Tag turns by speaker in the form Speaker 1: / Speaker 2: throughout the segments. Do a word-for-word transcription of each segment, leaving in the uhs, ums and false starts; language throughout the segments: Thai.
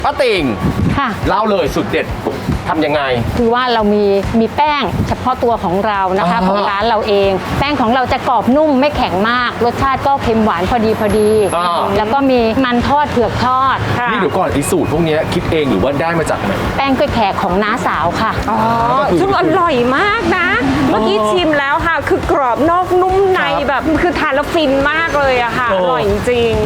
Speaker 1: ป้าติ่ง
Speaker 2: ค่ะ
Speaker 1: เล่าเลยสุดเด็ดทำยังไง
Speaker 2: คือว่าเรามีมีแป้งเฉพาะตัวของเรานะคะ
Speaker 1: อ่า
Speaker 2: ของร้านเราเอง แป้งของเราจะกรอบนุ่มไม่แข็งมาก รสชาติก็เค็มหวานพอดีพอดี
Speaker 1: อ่า
Speaker 2: แล้วก็มีมันทอดเผือกทอด
Speaker 1: นี่เดี๋ยวก่อนไอ้สูตรพวกเนี้ยคิดเองหรือว่าได้มาจากไหน
Speaker 2: แป้งกล้วยแขกของน้าสาวค่ะ
Speaker 3: อ๋อซึ่งอร่อยมากนะ เมื่อกี้ชิมแล้วค่ะ คือกรอบนอกนุ่มใน
Speaker 1: ครับ
Speaker 3: แบบคือทานแล้วฟินมากเลยอะค่ะ
Speaker 1: โอ้
Speaker 3: อร่อยจริง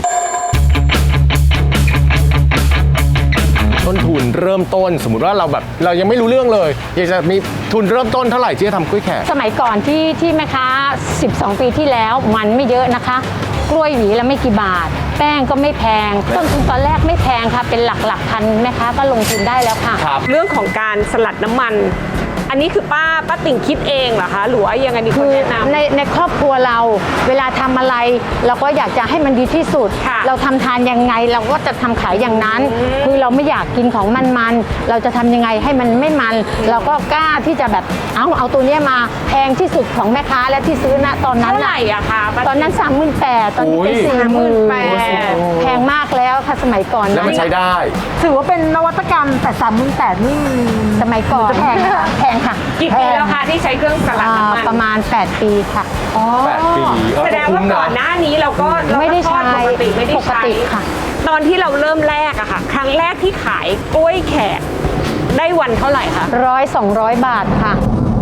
Speaker 1: ต้นทุนเริ่มต้นสมมุติว่าเราแบบเรายังไม่รู้เรื่องเลยอยากจะมีทุนเริ่มต้นเท่าไหร่ที่จะทำกล้วยแขก
Speaker 2: สมัยก่อนที่ที่แม่ค้าสิบสอง ปีที่แล้วมันไม่เยอะนะคะ กล้วยหวีละไม่กี่บาท แป้งก็ไม่แพง ต้นทุนตอนแรกไม่แพงค่ะ เป็นหลักหลักพันแม่ค้าก็ลงทุนได้แล้วค่ะ
Speaker 1: ครับ
Speaker 3: ๆ เรื่องของการสลัดน้ำมัน อันนี้คือป้าป้าติ่งคิดเองเหรอคะ หรือว่ายังไงมีค
Speaker 2: คื
Speaker 3: น
Speaker 2: อ
Speaker 3: แนะนำ
Speaker 2: ในในครอบครัวเราเวลาทำอะไร เราก็อยากจะให้มันดีที่สุด
Speaker 3: ค่ะ
Speaker 2: เราทำทานยังไงเราก็จะทำขายอย่างนั้น คือเราไม่อยากกินของมันๆเราจะทำยังไงให้มันไม่มัน เราก็กล้าที่จะแบบเอาเอาตัวเนี้ยมาแพงที่สุดของแม่ค้าและที่ซื้อณตอนนั้น
Speaker 3: เท่าไหร่
Speaker 2: น่ะ
Speaker 3: อะคะป้า
Speaker 2: ตอนนั้นสามหมื่นแปดตอนนี้เป็น
Speaker 1: โอ้ย
Speaker 2: สี่หมื่น
Speaker 3: แปด
Speaker 2: แพงมากแล้วค่ะสมัยก่อน
Speaker 1: แล้ว
Speaker 2: นะ
Speaker 1: มันใช้ได้
Speaker 4: ถือว่าเป็นนวัตกรรมแต่สามหมื่นแปดนี่
Speaker 2: สมัยก่อน
Speaker 4: จะแพงไหมคะ
Speaker 2: แพงค่ะ
Speaker 3: กี่ปีแล้วคะที่ใช้เครื่องสลัด
Speaker 2: อ่า
Speaker 3: น้ำมัน
Speaker 2: ประมาณ แปด ปีค่ะ
Speaker 1: แปดปีเออ
Speaker 3: แสดงว่าก่อนหน้านี้เราก็เราก็
Speaker 2: ไม่ได้
Speaker 3: ทอ
Speaker 2: ใช้
Speaker 3: ปกติไม่ได้
Speaker 2: ปก
Speaker 3: ใช้
Speaker 2: ติค่ะ
Speaker 3: ตอนที่เราเริ่มแรกอะค่ะ ครั้งแรกที่ขายกล้วยแขกได้วันเท่าไหร่คะ
Speaker 2: ร้อยสองร้อยบาทค่ะ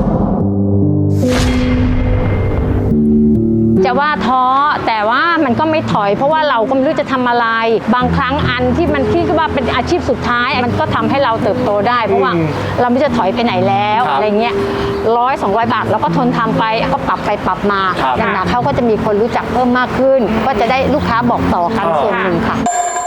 Speaker 2: จะว่าท้อแต่ว่ามันก็ไม่ถอย เพราะว่าเราก็ไม่รู้จะทำอะไร บางครั้งอันที่มันคิดว่าเป็นอาชีพสุดท้าย มันก็ทำให้เราเติบโตได้ เพราะว่าเราไม่จะถอยไปไหนแล้ว
Speaker 1: ครับ
Speaker 2: อะไรเงี้ยร้อยสองร้อยบาทเราก็ทนทำไปก็ปรับไปปรับมา
Speaker 1: ครับ
Speaker 2: อย่างหนักเขาก็จะมีคนรู้จักเพิ่มมากขึ้น ก็จะได้ลูกค้าบอกต่อกัน
Speaker 1: อ๋อ
Speaker 2: ส่วนหนึ่งค่ะ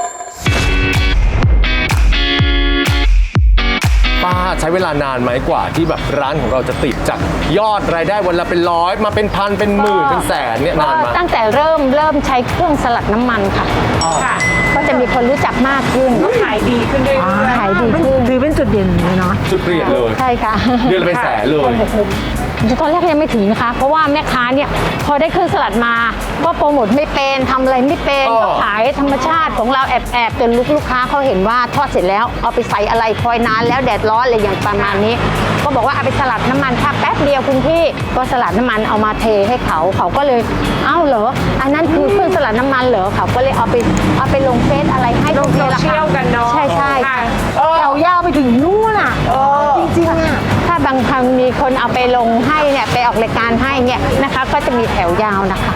Speaker 1: ป้าใช้เวลานานไหมกว่าที่แบบร้านของเราจะติดจากยอดรายได้วันละเป็นร้อยมาเป็นพันเป็นหมื่นเป็นแสนเนี่ยนานไหม
Speaker 2: ตั้งแต่เริ่มเริ่มใช้เครื่องสลัดน้ำมันค่ะ
Speaker 3: ค่ะ
Speaker 2: ก็จะมีคนรู้จักมากขึ้น
Speaker 3: ก็ขายดีขึ้นเรื่อยๆ
Speaker 2: ขายดีขึ้น
Speaker 4: ถือเป็นจุดเด่นเลยเนาะ
Speaker 1: จุดเปลี่ยนเลย
Speaker 2: ใช่ค่ะ
Speaker 1: เดือนละเป็นแสนเลย
Speaker 2: ตอนแรกยังไม่ถึงนะคะ เพราะว่าแม่ค้าเนี่ยพอได้เครื่องสลัดมา ก็โปรโมทไม่เป็นทำอะไรไม่เป็น
Speaker 1: อ๋อ
Speaker 2: ก็ขายธรรมชาติของเราแอบแอบๆจนลูกลูกค้าเขาเห็นว่าทอดเสร็จแล้วเอาไปใส่อะไรคอยนานแล้วแดดร้อนอะไรอย่างประมาณนี้ ก็บอกว่าเอาไปสลัดน้ำมันค่ะแป๊บเดียวคุณพี่ก็สลัดน้ำมันเอามาเทให้เขาเขาก็เลยเอ้าเหรออันนั้นคือเครื่องสลัดน้ำมันเหรอเขาก็เลยเอาไปเอาไปลงเฟซอะไรให้
Speaker 3: ลง
Speaker 2: พวกนี้แหละ
Speaker 3: โซเชี
Speaker 2: ค่ะ
Speaker 3: ยลกันเนอะ
Speaker 2: ใช่ใช่
Speaker 3: ค่ะ
Speaker 4: แถวยาวไปถึงนู่นอ่ะ จริงๆอ่ะ
Speaker 2: ถ้าบางครั้งมีคนเอาไปลงให้เนี่ยไปออกรายการให้เนี่ยนะคะ ก็จะมีแถวยาวนะคะ